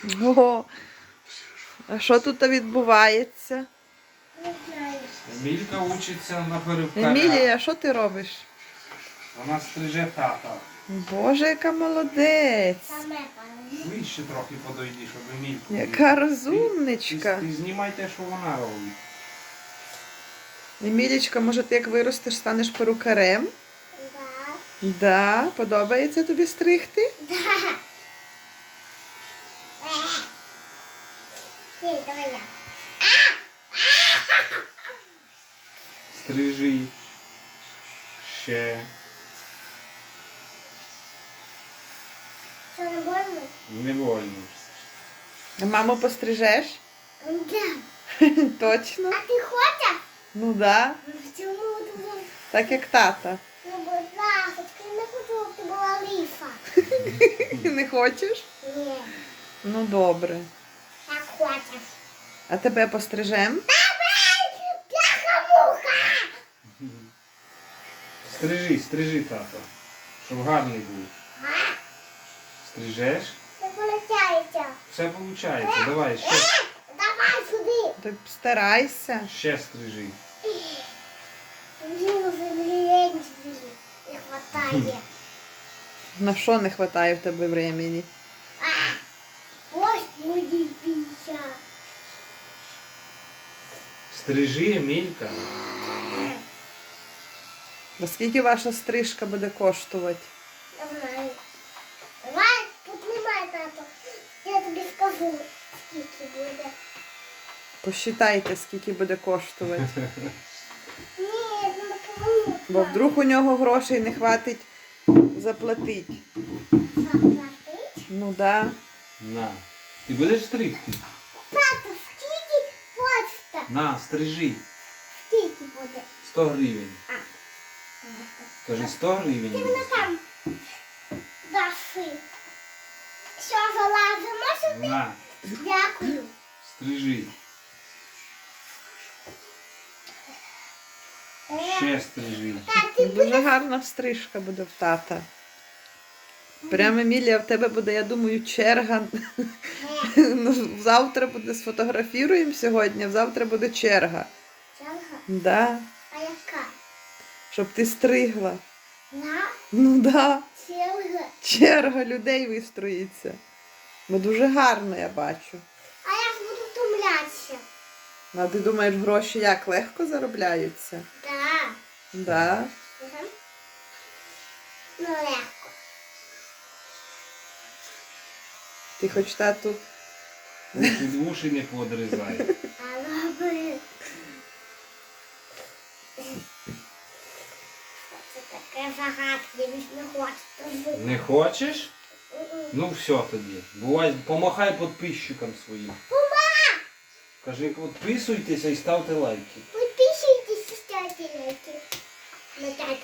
Ого. А що тут відбувається? Не знаю. Емілька учиться на перукаря. Емілія, що ти робиш? Вона стриже тата. Боже, яка молодець. Саме пане. Вище трохи подойди, щоб Емільку. Яка Ти, розумничка. ти знімай те, що вона робить. Емілічка, може ти як виростеш, станеш перукарем? Да. Да, подобається тобі стригти? Да. Ей, давай я. Стрижи. Ще. Що, не больно? Не больно. А маму пострижеш? Да. Точно? А ти хочеш? Ну да. Чому ти? Так як тата. Ну, будь ласка, я не хочу, щоб ти була ліфа. Не хочеш? Ні, Ну добре. так хочеш. А тебе пострижем? Бляха-муха! Стрижи, тато. Щоб гарний був. Стрижеш? Не получається. Все виходить. Давай, ще, Давай сюди. Так старайся. ще стрижи. Мені вже лінь не хватає. На що не вистачає в тебе времени? Ось мої піся. Стрижи, Емілька. А скільки ваша стрижка буде коштувати? Не знаю. Давай, тут немає тато. Я тобі скажу, скільки буде. Посчитайте, скільки буде коштувати. Ні, ну кому? Бо вдруг у нього грошей не хватить заплатити. Заплатить? Ну да. На. Ти будеш стригти? Тато, скільки хочете? На, стрижи. Скільки буде? 100 гривень. Кажи 100 Ти гривень. мене там даси. Що, залазимо сюди? На, Дякую. стрижи. Ще стрижи. Так, ти Дуже гарна стрижка буде в тата. Прямо, Емілія, в тебе буде, я думаю, черга. Ну, завтра буде сфотографіруємо сьогодні, а завтра буде черга. черга? Да. А яка? Щоб ти стригла. На Ну да. черга. Черга людей вистроїться. Бо дуже гарно я бачу. А я ж буду втомлятися. А ти думаєш, гроші як легко заробляються? Да. Да. Угу. Ну, легко. Ти хоч тату. Уші не подрізай. А лоби. Це таке загадки, більш не хочете. Не хочеш? Ну все тоді. Бувай, помахай підписчикам своїм. Кажи, підписуйтеся і ставте лайки. Підписуйтесь, ставте лайки. На тату.